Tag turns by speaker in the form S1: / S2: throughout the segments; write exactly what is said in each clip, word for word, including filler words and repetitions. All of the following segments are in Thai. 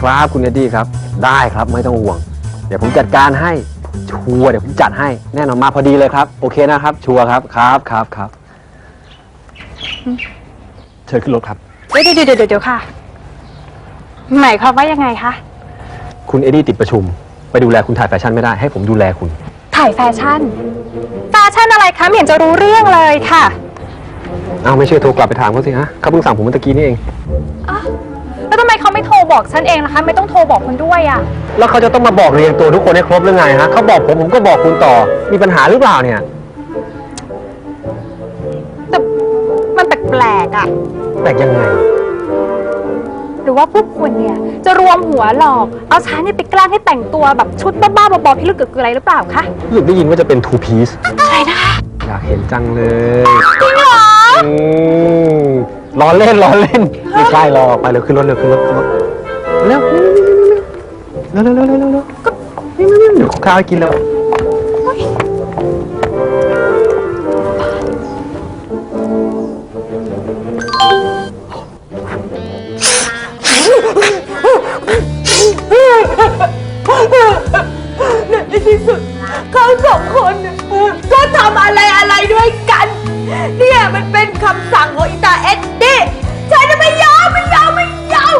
S1: ครับคุณเอ็ดดี้ครับได้ครับไม่ต้องห่วงเดี๋ยวผมจัดการให้ชัวร์เดี๋ยวผมจัดให้แน่นอนมาพอดีเลยครับโอเคนะครับชัวร์ครับครับครับครับเชิญขึ้นรถครับ
S2: เดี๋ยวเดี๋ยวเดี๋ยวเดี๋ยวค่ะหมายความว่ายังไงคะ
S1: คุณเอ็ดดี้ติดประชุมไปดูแลคุณถ่ายแฟชั่นไม่ได้ให้ผมดูแลคุณ
S2: ถ่ายแฟชั่นแฟชั่นอะไรคะไม่เห็นจะรู้เรื่องเลยค่ะ
S1: อ้าวไม่เชื่อโทรกลับไปถามเขาสิฮะเขาเพิ่งสั่งผมเมื่อกี้นี่เอง
S2: อ้าวแล้วทำไมเขาไม่โทรบอกฉันเองล่ะคะไม่ต้องโทรบอกคนด้วยอ่ะ
S1: แล้วเขาจะต้องมาบอกเรียงตัวทุกคนให้ครบหรือไงฮะเขาบอกผมผมก็บอกคุณต่อมีปัญหาหรือเปล่าเนี่ย
S2: แต่มันแปลกๆอ่ะ
S1: แปลกยังไง
S2: หรือว่าพวกคุณเนี่ยจะรวมหัวหลอกเอาฉันเนี่ยไปแกล้งให้แต่งตัวแบบชุดบ้าๆบอๆพิลึกเกือกอะไรหรือเปล่าคะ
S1: รู้สึกได้ยินว่าจะเป็น two piece
S2: อะไรนะคะ
S1: อยากเห็นจังเลย
S2: จริงเหรอ
S1: ล้อเล่นล้อเล่นไม่ใช่หรอกไปเร็วขึ้นรถเร็วขึ้นรถขึ้นรถเร็วเร็วเร็วเร็วเร็วเร็วเร็วก็เดี๋ยวข้าวให้กินแล้ว
S3: ในที่สุดเขาสองคนก็ทำอะไรอะไรด้วยกันเนี่ยมันเป็นคำสั่งของอีตาเอ็ดดี้ฉันจะไม่ยอมไม่ยอมไม่ยอม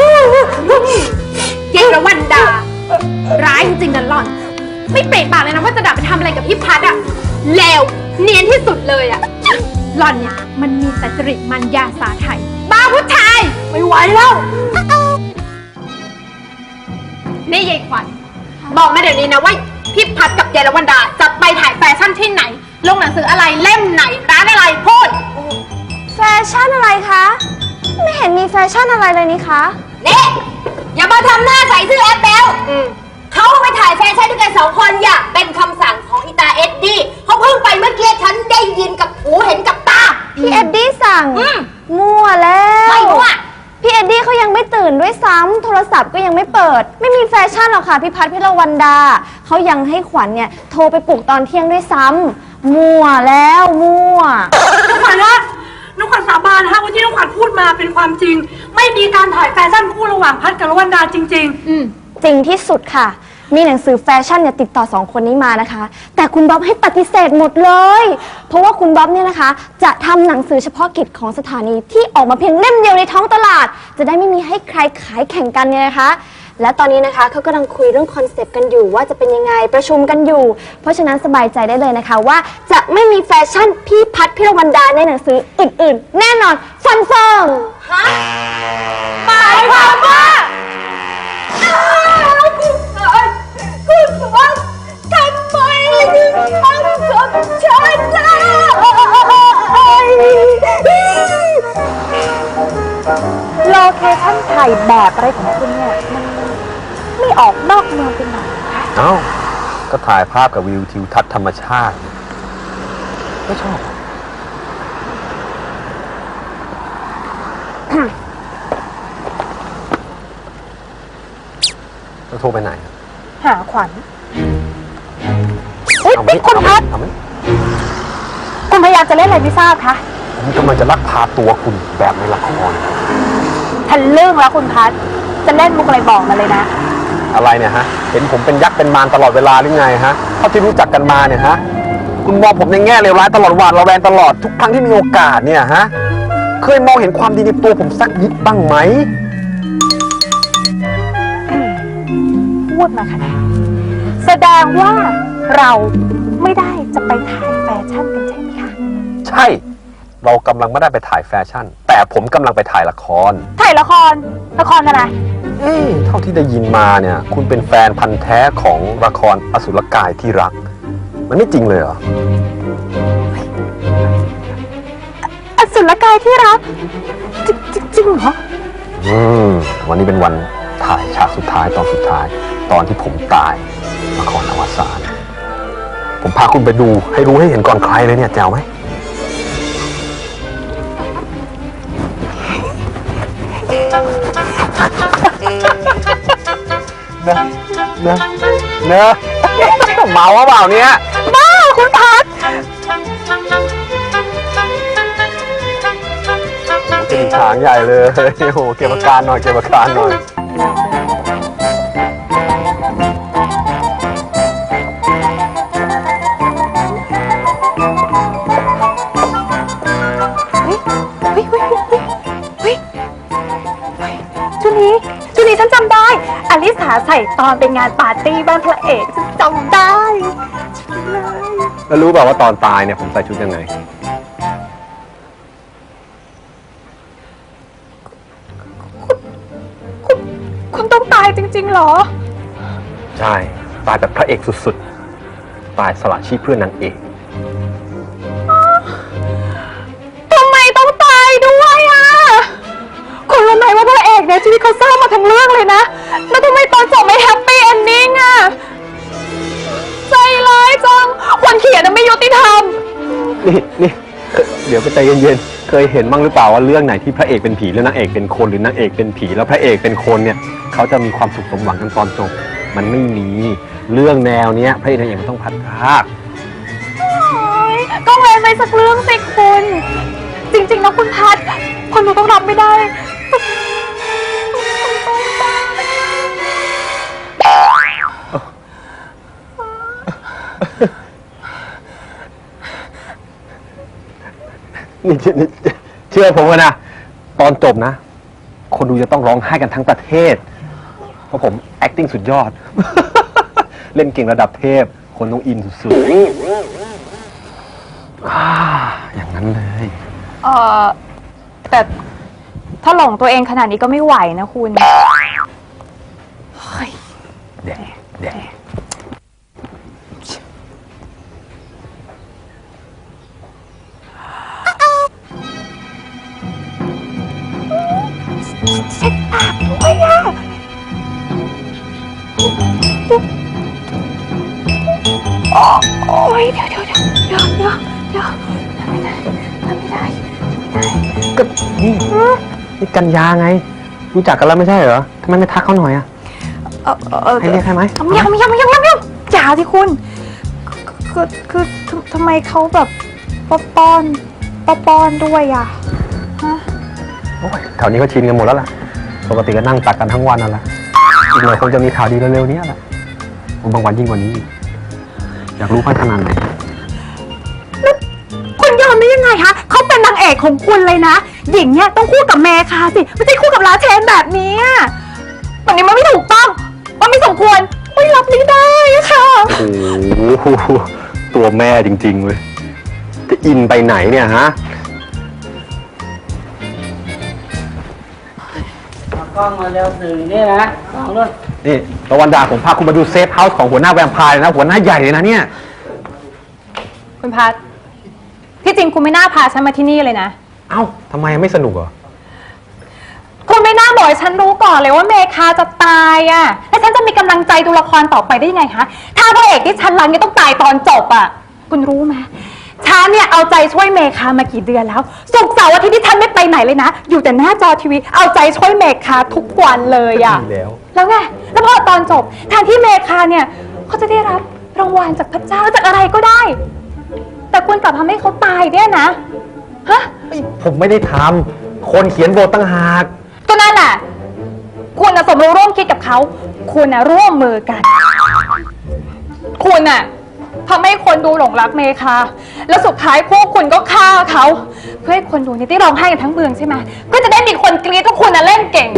S4: เยระวันดาร้ายจริงๆนะหล่อนไม่เปรตปากเลยนะว่าจะดับไปทำอะไรกับพี่พัดอะเลวเนียนที่สุดเลยอะหล่อนเนี่ยมันมีแต่จริตมันยาสาไทยบ้าผู้ชาย
S3: ไม่ไหวแล้ว
S4: นี่ยายขวัญบอกมาเดี๋ยวนี้นะว่าพี่พัดกับเยระวันดาจะไปถ่ายแฟชั่นที่ไหนลงหนังสืออะไรเล่มไหนร้านอะไรพูด
S5: แฟชั่นอะไรคะไม่เห็นมีแฟชั่นอะไรเลยนี่คะ
S3: นี่อย่ามาทำหน้าใส่ซื่อแอปเปิลเขาไปถ่ายแฟชั่นด้วยกันสองคนอย่าเป็นคำสั่งของอีตาเอ็ดดี้เขาเพิ่งไปเมื่อกี้ฉันได้ยินกับหูเห็นกับตา
S5: พี่เอ็ดดี้สั่งมั่วแล้ว
S3: ไม่มั่ว
S5: พี่เอ็ดดี้เขายังไม่ตื่นด้วยซ้ำโทรศัพท์ก็ยังไม่เปิดไม่มีแฟชั่นหรอกค่ะพี่พัดพี่ละวันดาเขายังให้ขวัญเนี่ยโทรไปปลุกตอนเที่ยงด้วยซ้ำมั่วแล้วมั่ว
S3: น้องขวัญนะน้องขวัญสาบานนะคะว่าที่น้องขวัญพูดมาเป็นความจริงไม่มีการถ่ายแฟชั่นคู่ระหว่างพัดกับละวันดาจริงๆ
S5: อืมจริงที่สุดค่ะมีหนังสือแฟชั่นเนี่ยติดต่อสองคนนี้มานะคะแต่คุณบ๊อบให้ปฏิเสธหมดเลยเพราะว่าคุณบ๊อบเนี่ยนะคะจะทำหนังสือเฉพาะกิจของสถานีที่ออกมาเพียงเล่มเดียวในท้องตลาดจะได้ไม่มีให้ใครขายแข่งกันเนี่ยนะคะและตอนนี้นะคะเขากำลังคุยเรื่องคอนเซปต์กันอยู่ว่าจะเป็นยังไงประชุมกันอยู่เพราะฉะนั้นสบายใจได้เลยนะคะว่าจะไม่มีแฟชั่นพี่พัดพี่ละวันดาในหนังสืออื่นๆแน่นอนฟันเฟิร์ม
S3: ฮะหมายความว่าคุณว่าทำไมถึงทำกับฉันได้
S2: โลเคชั่นถ่ายแบบอะไรของคุณเนี่ยมันไม่ออกนอกเมืองเป็นหน่อยคะ
S1: เอ้าก็ถ่ายภาพกับวิวทิวทัศน์ธรรมชาติก็ชอบจะโทรไปไหน
S2: หาขวัญเฮ้ยนี่คุณพัดคุณพยายามจะเล่นอะไรไม่ทราบคะ
S1: ผมกำลังจะลักพาตัวคุณแบบในละคร
S2: ทันเรื่องแล้วคุณพัดจะเล่นมุกอะไรบอกมาเลยนะ
S1: อะไรเนี่ยฮะเห็นผมเป็นยักษ์เป็นมารตลอดเวลาหรือไงฮะเท่าที่รู้จักกันมาเนี่ยฮะคุณมองผมในแง่เลวร้ายตลอดหวาดระแวงตลอดทุกครั้งที่มีโอกาสเนี่ยฮะเคยมองเห็นความดีในตัวผมสักนิดบ้างไหม
S2: พูดมาขนาดแสดงว่าเราไม่ได้จะไปถ่ายแฟชั่นกันใช่ไหมคะ
S1: ใช่เรากำลังไม่ได้ไปถ่ายแฟชั่นแต่ผมกำลังไปถ่ายละคร
S2: ถ่ายละครละครอะไร
S1: เอ๊ะเท่าที่ได้ยินมาเนี่ยคุณเป็นแฟนพันธ์แท้ของละครอสุรกายที่รักมันไม่จริงเลยเหรอ
S2: อสุรกายที่รักจริงจริงเหรอ
S1: อืมวันนี้เป็นวันถ่ายฉากสุดท้ายตอนสุดท้ายตอนที่ผมตายละครอวสานผมพาคุณไปดูให้รู้ให้เห็นก่อนใครเลยเนี่ยแจ๋วไหมเนอะเนอะเนอะเมาว่าเปล่าเนี่ย
S2: บ้าคุณพัด
S1: จะมีฉางใหญ่เลยโอ้โหเก็บอาการหน่อยเก็บอาการหน่อย
S2: ชุดนี้ฉันจำได้อลิสาใส่ตอนเป็นงานปาร์ตี้บ้านพระเอกฉันจำได้ชุดนี้เลย
S1: แล้วรู้เปล่าว่าตอนตายเนี่ยผมใส่ชุดยังไง
S2: คุณต้องตายจริงๆเหรอ
S1: ใช่ ตายแบบพระเอกสุดๆ ตายสละชีพเพื่อนนางเอก
S2: ทำไมต้องตายด้วยอ่ะคุณรู้ไหมว่าพระเอกเนี่ยชีวิตเขาเศร้ามาทั้งเรื่องเลยนะ แล้วทำไมตอนจบไม่แฮปปี้เอนดิ้งอ่ะ ใจร้ายจัง คนเขียนน่ะไม่ยุติธรรม
S1: นี่นี่เดี๋ยวไปใจเย็นๆ เคยเห็นบ้างหรือเปล่าว่าเรื่องไหนที่พระเอกเป็นผีแล้วนางเอกเป็นคนหรือนางเอกเป็นผีแล้วพระเอกเป็นคนเนี่ยเขาจะมีความสุขสมหวังกันตอนจบ มันไม่มีเรื่องแนวเนี้ยพระเอกนางเอกมันต้องพัดพราก
S2: ก็เว้นไว้สักเรื่องสิคุณ จริงๆนะคุณพัดคนดูต้องรับไม่ได้
S1: นี่นี่เชื่อผมนะตอนจบนะ คนดูจะต้องร้องไห้กันทั้งประเทศ เพราะผม acting สุดยอด เล่นเก่งระดับเทพ คนต้องอินสุดๆอ่าอย่างนั้นเลย
S2: เออแต่ถ้าหลงตัวเองขนาดนี้ก็ไม่ไหวนะคุณ
S1: แดกแดก
S2: โอ้ยเดี๋ยวเดี๋ยวเดี๋ยวเดี๋ยวเดี๋ยวเดี๋ยวทำไม่ได้ทำไม่ได้ทำไม่ได้
S1: ก็นี่นี่กันยาไง รู้จักกันแล้วไม่ใช่เหรอทำไมไม่ทักเขาหน่อยอะ
S2: เออเออ
S1: ให้เรียกให้ไหม
S2: ยังยังยังยังยังอย่าสิคุณ คือคือคือทำไมเขาแบบป้อนป้อนป้อนด้วยอ่ะฮะ
S1: โอ้ยแถวนี้ก็ชินกันหมดแล้วล่ะ ปกติก็นั่งตักกันทั้งวันนั่นแหละอีกหน่อยคงจะมีข่าวดีเร็วๆนี้แหละบางวันยิ่งกว่านี้อีกอยากรู้พัฒนาไหน
S2: คุณยอมได้ยังไงคะเขาเป็นนางเอกของคุณเลยนะหญิงเนี่ยต้องคู่กับเมคาสิไม่ใช่คู่กับลาเชนแบบนี้อะแบบนี้มันไม่ถูกต้องมันไม่สมควรไม่รับไม่ได้อะค่ะ
S1: โอ้โหตัวแม่จริงๆเว้ยจะอินไปไหนเนี่ยฮะ
S6: กล้องมาเร็วสื่อนี่นะกล้องด้วย
S1: นี่ตะวันดาผมพาคุณมาดูเซฟเฮาส์ของหัวหน้าแวมไพร์นะ หัวหน้าใหญ่เลยนะเนี่ย
S2: คุณพัทที่จริงคุณไม่น่าพาฉันมาที่นี่เลยนะ
S1: เอ้าทำไมไม่สนุกเหรอ
S2: คุณไม่น่าบอกให้ฉันรู้ก่อนเลยว่าเมคาจะตายอ่ะแล้วฉันจะมีกำลังใจดูละครต่อไปได้ยังไงคะถ้าพระเอกที่ฉันรักเนี่ยต้องตายตอนจบอ่ะคุณรู้ไหมฉันเนี่ยเอาใจช่วยเมคามากี่เดือนแล้วศุกร์เสาร์อาทิตย์ที่ฉันไม่ไปไหนเลยนะอยู่แต่หน้าจอทีวีเอาใจช่วยเมคาทุกวันเลยอ่ะ
S1: ดีแล้ว
S2: แล้วไงแล้วพอตอนจบแทนที่เมคาเนี่ยเขาจะได้รับรางวัลจากพระเจ้าจากอะไรก็ได้ แต่คุณกลับทำให้เขาตายเนี่ยนะฮะ
S1: ผมไม่ได้ทำคนเขียนบทตั้งหาก
S2: ก็นั่นแหละคุณน่ะสมรู้ร่วมคิดกับเขาคุณน่ะร่วมมือกัน คุณน่ะทำให้คนดูหลงรักเมคาแล้วสุดท้ายพวกคุณก็ฆ่าเขาเพื่อให้คนดูเนี่ยได้ร้องไห้กันทั้งเมืองใช่ไหมก็จะได้มีคนกรี๊ดว่าคุณน่ะเล่นเก่ง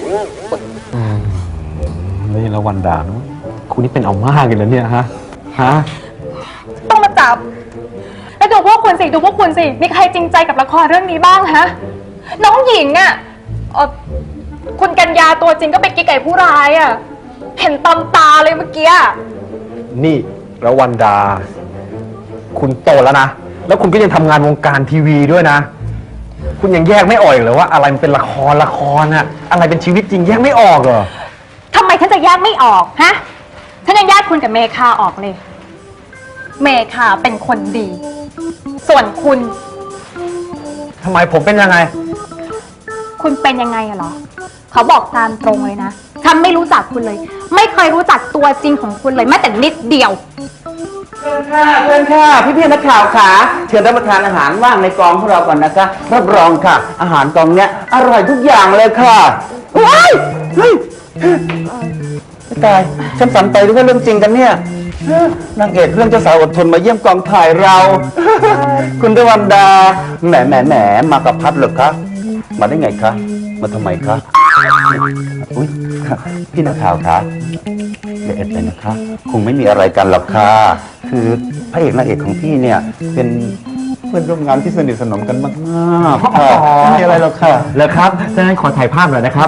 S1: นี่ละวันดานะคุณนี่เป็นเอามากเลยนะเนี่ยฮะ ฮะ
S2: ต้องมาจับแล้วดูพวกคุณสิดูพวกคุณสิมีใครจริงใจกับละครเรื่องนี้บ้างฮะน้องหญิงอ่ะเอ่อคุณกัญญาตัวจริงก็ไปกิ๊กไก่ผู้ร้ายอ่ะเห็นตำตาเลยเมื่อกี้
S1: นี่ละวันดา คุณโตแล้วนะ แล้วคุณก็ยังทำงานวงการทีวีด้วยนะ คุณยังแยกไม่ออกอีกเหรอว่าอะไรมันเป็นละครละครอะอะไรเป็นชีวิตจริงแยกไม่ออกเหรอ
S2: ทำไมฉันจะแยกไม่ออกฮะฉันยังแยกคุณกับเมคาออกเลย เมคาเป็นคนดี ส่วนคุณ
S1: ทำไมผมเป็นยังไง
S2: คุณเป็นยังไงอะเหรอเขาบอกตามตรงเลยนะฉันไม่รู้จักคุณเลย ไม่เคยรู้จักตัวจริงของคุณเลยแม้แต่นิดเดียว
S6: เชิญค่ะเชิญค่ะพี่พี่ๆนักข่าวขาเชิญรับประทานอาหารว่างในกองของเราก่อนนะคะรับรองค่ะ อาหารกองเนี้ยอร่อยทุกอย่างเลยค่ะว้ายเฮ้ยไม่ตายฉันฝันไปหรือว่าเรื่องจริงกันเนี่ยเอ้อนางเอกเรื่องเจ้าสาวอดทนมาเยี่ยมกองถ่ายเรา คุณตะวันดาแหมแหมแหมมากับพัดเหรอคะมาได้ไงคะมาทำไมคะอุ้ยพี่นักข่าวคะเดี๋ยวเอ็ดเลยนะคะคงไม่มีอะไรกันหรอกค่ะคือพระเอกนางเอกของพี่เนี่ยเป็นเพื่อนร่วมงานที่สนิทสนมกันมากๆค่ะไม่มีอะไรหรอกค่ะ
S7: แล้วครับดังนั้นขอถ่ายภาพหน่อยนะครับ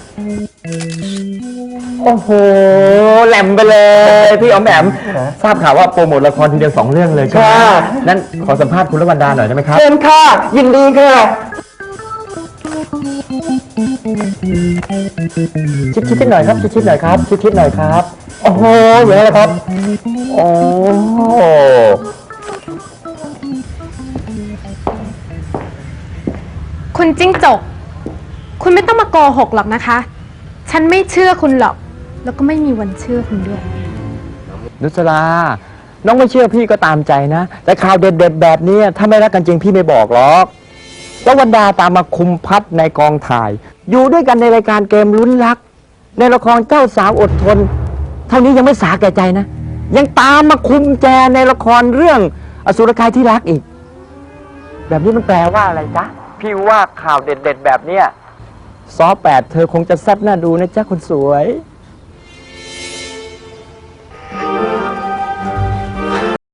S7: โอ้โห แหลมไปเลย พี่อ๋อมแอมทราบข่าวว่าโปรโมทละครทีเดียวสองเรื่องเลยใช่ไหมนั้นขอสัมภาษณ์คุณละวันดาหน่อยได้ไหมครับ
S6: เชิญค่ะ ยินดีค่ะ
S7: ชิดชิดๆหน่อยครับ ชิดชิดๆหน่อยครับ ชิดชิดๆหน่อยครับ โอ้โหอย่างนี้นะครับ โอ้
S4: คุณจิ้งจก คุณไม่ต้องมาโกหกหรอกนะคะ ฉันไม่เชื่อคุณหรอก แล้วก็ไม่มีวันเชื่อคุณด้วย
S7: นุสราน้องไม่เชื่อพี่ก็ตามใจนะ แต่ข่าวเด็ดๆแบบนี้ถ้าไม่รักกันจริงพี่ไม่บอกหรอกแล้ววันดาตามมาคุมพัดในกองถ่าย อยู่ด้วยกันในรายการเกมลุ้นรัก ในละครเจ้าสาวอดทน เท่านี้ยังไม่สาแก่ใจนะ ยังตามมาคุมแจในละครเรื่องอสุรกายที่รักอีก แบบนี้มันแปลว่าอะไรจ๊ะ พี่ว่าข่าวเด็ดๆแบบเนี้ยซอแปดเธอคงจะแซ่บน่าดูนะจ๊ะคนสวย